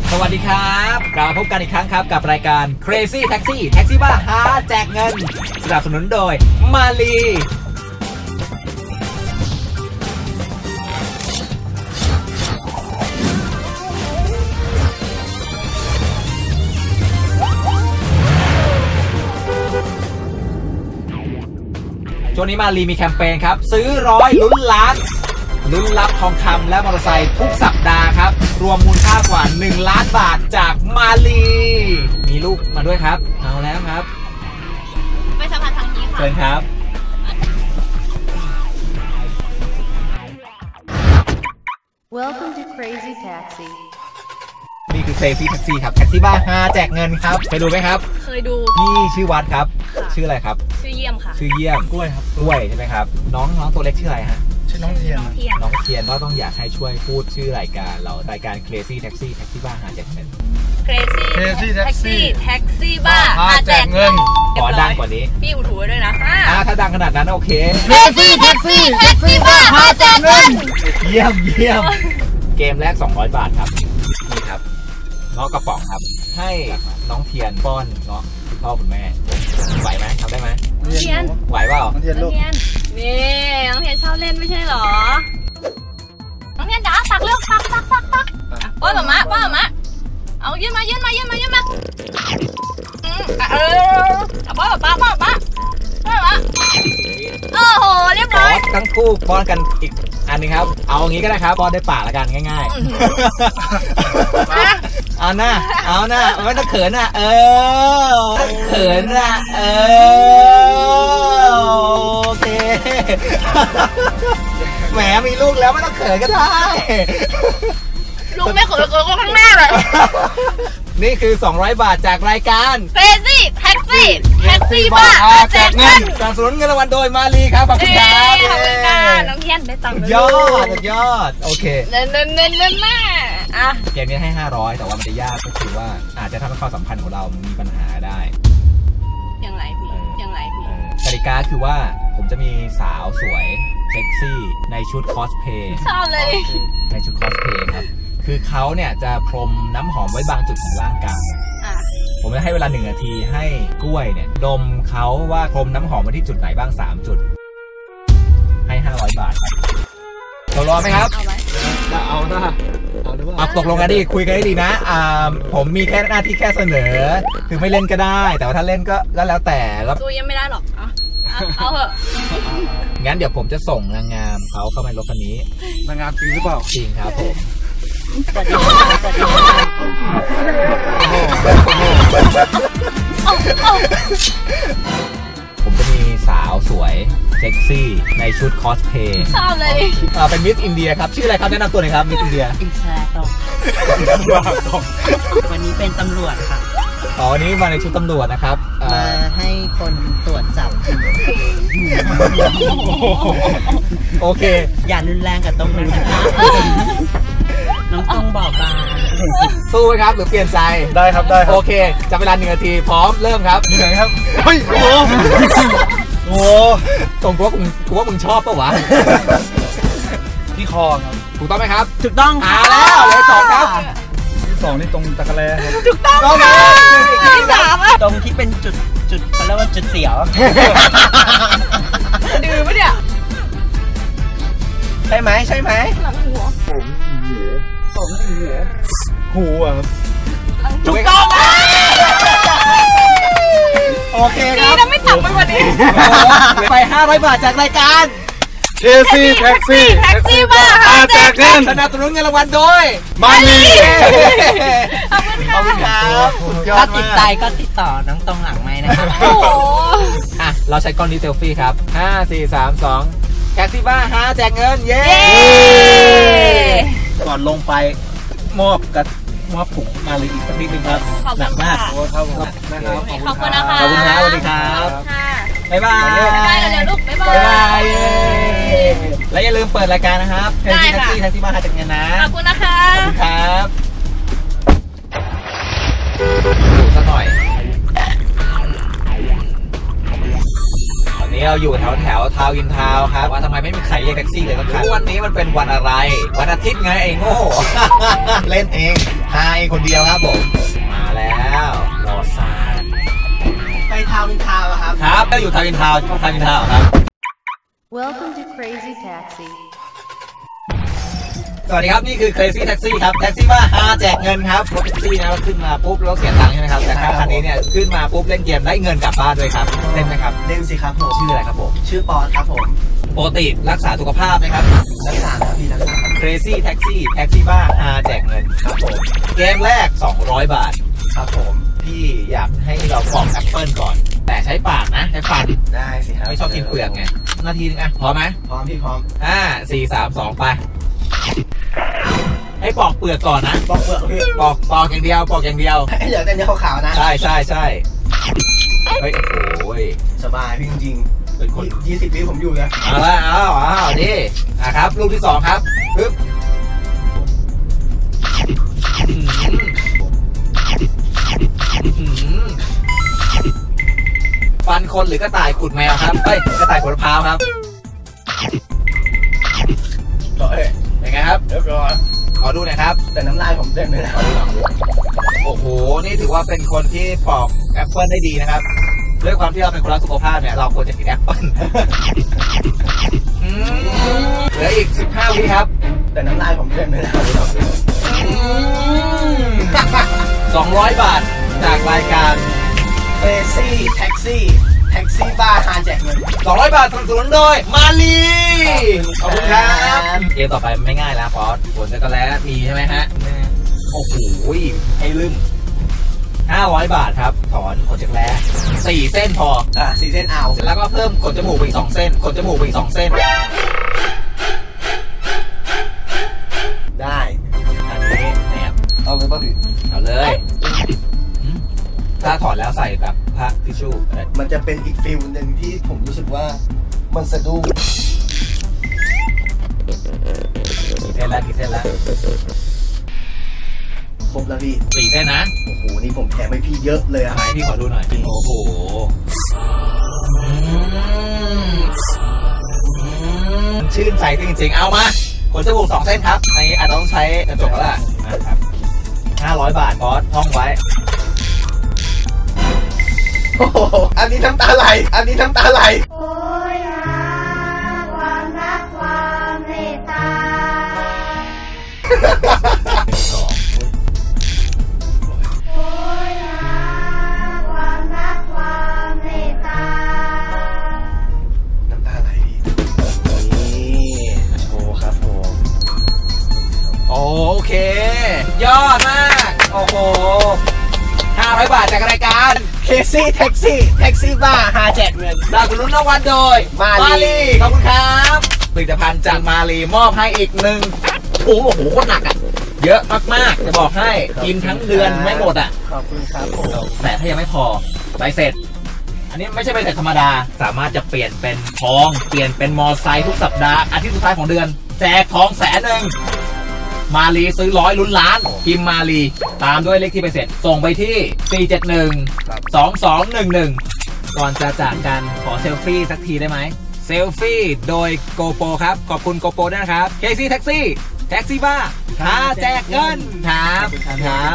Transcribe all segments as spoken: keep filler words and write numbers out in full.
สวัสดีครับกลับมาพบกันอีกครั้งครับกับรายการ Crazy Taxi แท็กซี่บ้าหาแจกเงินสนับสนุนโดยมาลีช่วงนี้มาลีมีแคมเปญครับซื้อร้อยลุ้นล้านลุ้นรับทองคำและมอเตอร์ไซค์ทุกสัปดาห์ครับรวมมูลค่ากว่าหนึ่งล้านบาทจากมาลีมีลูกมาด้วยครับเอาแล้วครับไปสัมผัสทางนี้ค่ะเชิญครับ Welcome to Crazy Taxi นี่คือ Crazy Taxi ครับแท็กซี่บ้าฮาแจกเงินครับเคยดูไหมครับเคยดูนี่ชื่อวัดครับชื่ออะไรครับชื่อเยี่ยมค่ะชื่อเยี่ยมกล้วยครับกล้วยใช่ไหมครับน้องน้องตัวเล็กชื่ออะไรฮะชื่อน้องเทียนน้องเทียนก็ต้องอยากให้ช่วยพูดชื่อรายการเรารายการ Crazy Taxi แท็กซี่บ้าหาแจกเงิน Crazy Taxi แท็กซี่บ้าหาแจกเงินขอดังกว่านี้พี่อุดหูไว้ด้วยนะอ่าถ้าดังขนาดนั้นโอเค Crazy Taxi แท็กซี่บ้าหาแจกเงินเยี่ยมเยี่ยมเกมแรกสองร้อยบาทครับนี่ครับเงาะกระป๋องครับให้น้องเทียนป้อนเงาะคุณพ่อคุณแม่ไหวไหมทำได้ไหมเทียนไหวเปล่าน้องเทียนลูกนี่น้องเทียนชอบเล่นไม่ใช่หรอน้องเทียนจ๋าตักเร็วตักตักตักตักป้อนหมาป้อนหมาเอายื่นมายื่นมายื่นมายื่นมาเออป้อนป้าป้อนป้าป้อนมาโอ้โหเรียบร้อยทั้งคู่ป้อนกันอีกอันนึงครับเอาอย่างนี้ก็ได้ครับป้อนได้ปากละกันง่ายๆเอาหน้าเอาหน้าไม่ต้องเขินอ่ะเออเขินอ่ะเออโอเคแหมมีลูกแล้วไม่ต้องเขินก็ได้ลูกไม่เขินเขินก็ข้างหน้าเลยนี่คือสองร้อยบาทจากรายการ Crazy Taxi แท็กซี่บ้าแจกเงินสนับสนุนเงินรางวัลโดยมาลีครับขอบคุณครับขอบคุณค่ะน้องเทียนได้ตังค์ยอดยอดโอเคเน้นเน้นเน้นเน้นมากอ่ะเกมนี้ให้ห้าร้อยแต่ว่ามันจะยากก็คือว่าอาจจะทำให้ความสัมพันธ์ของเรามีปัญหาได้ยังไงพี่ยังไงพี่กติกาคือว่าผมจะมีสาวสวยเซ็กซี่ในชุดคอสเพย์ชอบเลยในชุดคอสเพย์ครับคือเขาเนี่ยจะพรมน้ำหอมไว้บางจุดของร่างกายผมจะให้เวลาหนึ่งนาทีให้กล้วยเนี่ยดมเขาว่าพรมน้ำหอมไว้ที่จุดไหนบ้างสามจุดให้ห้าร้อยบาทตกลงไหมครับเอาหน้าเอาหรือว่าตกลงกันดีคุยกันได้ดีนะอ่าผมมีแค่หน้าที่แค่เสนอคือไม่เล่นก็ได้แต่ว่าถ้าเล่นก็ก็แล้วแต่แล้วตัวยังไม่ได้หรอกเอาเถอะงั้นเดี๋ยวผมจะส่งนางงามเขาเข้ามาในรถคันนี้นางงามจริงหรือเปล่าจริงครับผมผมจะมีสาวสวยเซ็กซี่ในชุดคอสเพย์ชอบเลยอ่าเป็นมิสอินเดียครับชื่ออะไรครับแนะนำตัวหน่อยครับมิสอินเดียอินแซตองวันนี้เป็นตำรวจค่ะอ๋อวันนี้มาในชุดตำรวจนะครับมาให้คนตรวจจับโอเคอย่ารุนแรงกับตรงนั้นนะคะน้องต้องบอกบางสู้ไหมครับหรือเปลี่ยนใจได้ครับได้ครับโอเคจับเวลาหนึ่งนาทีพร้อมเริ่มครับเหนื่อยครับเฮ้ยโอ้โหตรงกูว่ามึงกูว่ามึงชอบปะวะที่คอครับถูกต้องไหมครับถูกต้องอ่าแล้วเลยสองครับที่สองนี่ตรงตะกะแลครับถูกต้องค่ะที่สามตรงที่เป็นจุดจุดเขาเรียกว่าจุดเสียวดื้อปะเนี่ยใช่ไหมใช่ไหมหลังหัวผมหัวผมหัวหูอ่ะถูกต้องนะโอเคครับนี่ไม่ต่ำไปกว่านี้ไปห้าร้อยบาทจากรายการ Crazy Taxi แท็กซี่บ้าแจกเงินสนับสนุนเงินรางวัลโดยมาลีขอบคุณครับถ้าติดใจก็ติดต่อน้องตรงหลังไม้นะครับโอ้โหอ่ะเราใช้กล้องนี้เซลฟี่ครับห้า สี่ สาม สองแท็กซี่บ้าฮาแจกเงินเย้ก่อนลงไปมอบกับมอบถุงมาลีอีกสักนิดนึงครับหนักมากโอ้ครับนะครับขอบคุณนะคะขอบคุณครับสวัสดีครับบ๊ายบายบ๊ายบายเร็วๆลูกบ๊ายบายและอย่าลืมเปิดรายการนะครับแท็กซี่แท็กซี่แท็กซี่บ้าฮาแจกเงินนะขอบคุณนะคะขอบคุณครับดูสักหน่อยนี้เราอยู่แถวแถวทาวน์อินทาวน์ครับว่าทำไมไม่มีใครเรียกแท็กซี่เลยสักครั้งวันนี้มันเป็นวันอะไรวันอาทิตย์ไงไอ้โง่เล่นเองไฮคนเดียวครับผมมาแล้วรอซาไปทาวน์อินทาวน์ครับครับก็อยู่ทาวน์อินทาวน์ทาวน์อินทาวน์ครับ Welcome to Crazy Taxi สวัสดีครับนี่คือ Crazy Taxi ครับแท็กซี่ว่าฮาแจกเงินครับรถแท็กซี่นะขึ้นมาปุ๊บแล้วเสียตังค์ใช่ไหมครับแต่คันนี้เนี่ยขึ้นมาปุ๊บเล่นเกมได้เงินกลับบ้านด้วยครับเล่นไหมครับเล่นสิครับผมชื่ออะไรครับผมชื่อปอนครับผมปกติรักษาสุขภาพไหมครับรักษาครับพี่รักษา Crazy Taxi แท็กซี่ว่าฮาแจกเงินครับผมเกมแรกสองร้อยบาทครับผมพี่อยากให้เราปอกแอปเปิลก่อนแต่ใช้ปากนะใช้ฟันได้สิครับไม่ชอบกินเปลือกไงนาทีนึงอ่ะพร้อมไหมพร้อมพี่พร้อมห้าสี่สามสองไปให้ปอกเปลือกก่อนนะปอกเปลือกพี่ปอกปอกอย่างเดียวปอกอย่างเดียวให้เหลือแต่เนื้อขาวๆนะใช่ใช่ใช่เฮ้ยโอ้ยสบายพี่จริงๆเป็นคนยี่สิบปีผมอยู่นะเอาละเอาเอาดิอ่ะครับลูกที่สองครับปึ๊บฟันคนหรือกระต่ายขุดแมวครับเฮ้ยกระต่ายขุดมะพร้าวครับเป็นไงครับเรียบร้อยขอดูหน่อยครับแต่น้ำลายผมเต็มเลยนะโอ้โหนี่ถือว่าเป็นคนที่ปอกแอปเปิลได้ดีนะครับด้วยความที่เราเป็นคนรักสุขภาพเนี่ยเราควรจะกินแอปเปิลเหลืออีกสิบห้าวิครับแต่น้ำลายผมเต็มเลยนะสองร้อยบาทจากรายการ Crazy Taxi แท็กซี่บ้าฮาแจกเงินสองร้อยบาทสนับสนุนโดยมาลีขอบคุณครับเกมต่อไปไม่ง่ายแล้วฟอสฝนจะกระแลมีใช่ไหมฮะโอ้โหให้ลืมห้าร้อยบาทครับถอนขนจักรแร้สี่เส้นพออ่ะสี่เส้นเอาเสร็จแล้วก็เพิ่มขนจมูกไปอีกสองเส้นขนจมูกไปอีกสองเส้นได้อันนี้แอบเอาเลยป่ะพี่เอาเลยถ้าถอดแล้วใส่แบบผ้าทิชชู่มันจะเป็นอีกฟิลหนึ่งที่ผมรู้สึกว่ามันสะดุ้งกี่เส้นแล้วกี่เส้นแล้วครบแล้วพี่สี่เส้นนะโอ้โหนี่ผมแถมให้พี่เยอะเลยอะไหนพี่ขอดูหน่อยโอ้โหชื่นใจจริงๆเอามาขนจมูกสองเส้นครับอันนี้อาจจะต้องใช้กระจกแล้วล่ะนะครับห้าร้อยบาทบอสท่องไว้โอ้โหอันนี้น้ำตาไหลอันนี้น้ำตาไหลโอ้ยนะความรักความเมตตาสองโอ้ยนะความรักความเมตตาน้ำตาไหลนี่โชว์ครับผมโอเคยอดมากโอ้โหห้าร้อยบาทจากรายการ Crazy Taxi แท็กซี่บ้าฮาแจกเงินสนับสนุนรางวัลโดยมาลีขอบคุณครับผลิตภัณฑ์จากมาลีมอบให้อีกหนึ่งโอ้โหโคตรหนักอ่ะเยอะมากๆจะบอกให้กินทั้งเดือนไม่หมดอ่ะขอบคุณครับผมแต่ถ้ายังไม่พอใบเสร็จอันนี้ไม่ใช่ใบเสร็จธรรมดาสามารถจะเปลี่ยนเป็นทองเปลี่ยนเป็นมอไซค์ทุกสัปดาห์อาทิตย์สุดท้ายของเดือนแจกทองแสนหนึ่งมาลีซื้อร้อยลุ้นล้านพิมพ์มาลีตามด้วยเลขที่ไปเสร็จส่งไปที่สี่เจ็ดหนึ่ง สองสองหนึ่งหนึ่งก่อนจะจากกันขอเซลฟี่สักทีได้ไหมเซลฟี่โดยโกโปรครับขอบคุณโกโปรด้วยนะครับ Crazy Taxi แท็กซี่บ้าหาแจกเงินครับครับ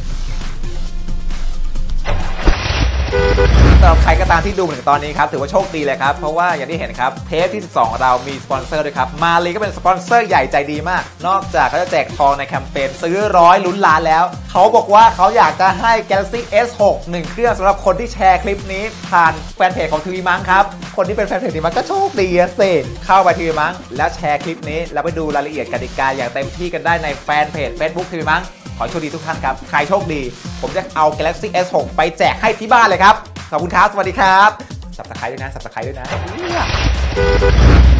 สำหรับใครก็ตามที่ดูถึงตอนนี้ครับถือว่าโชคดีเลยครับเพราะว่าอย่างที่เห็นครับเทปที่สิบสองของเรามีสปอนเซอร์ด้วยครับมาลีก็เป็นสปอนเซอร์ใหญ่ใจดีมากนอกจากเขาจะแจกทองในแคมเปญซื้อร้อยลุ้นล้านแล้วเขาบอกว่าเขาอยากจะให้ Galaxy เอส หก หนึ่งเครื่องสำหรับคนที่แชร์คลิปนี้ผ่านแฟนเพจของทีวีมั้งครับคนที่เป็นแฟนเพจทีวีมั้งก็โชคดีเสร็จเข้าไปทีวีมั้งแล้วแชร์คลิปนี้แล้วไปดูรายละเอียดกติกาอย่างเต็มที่กันได้ในแฟนเพจ Facebook ทีวีมั้งขอโชคดีทุกท่านครับใครโชคดีผมจะเอา Galaxy เอส หก ไปแจกให้ที่บ้านเลยครับขอบคุณครับสวัสดีครับสับตะไคร้ด้วยนะสับตะไคร้ด้วยนะ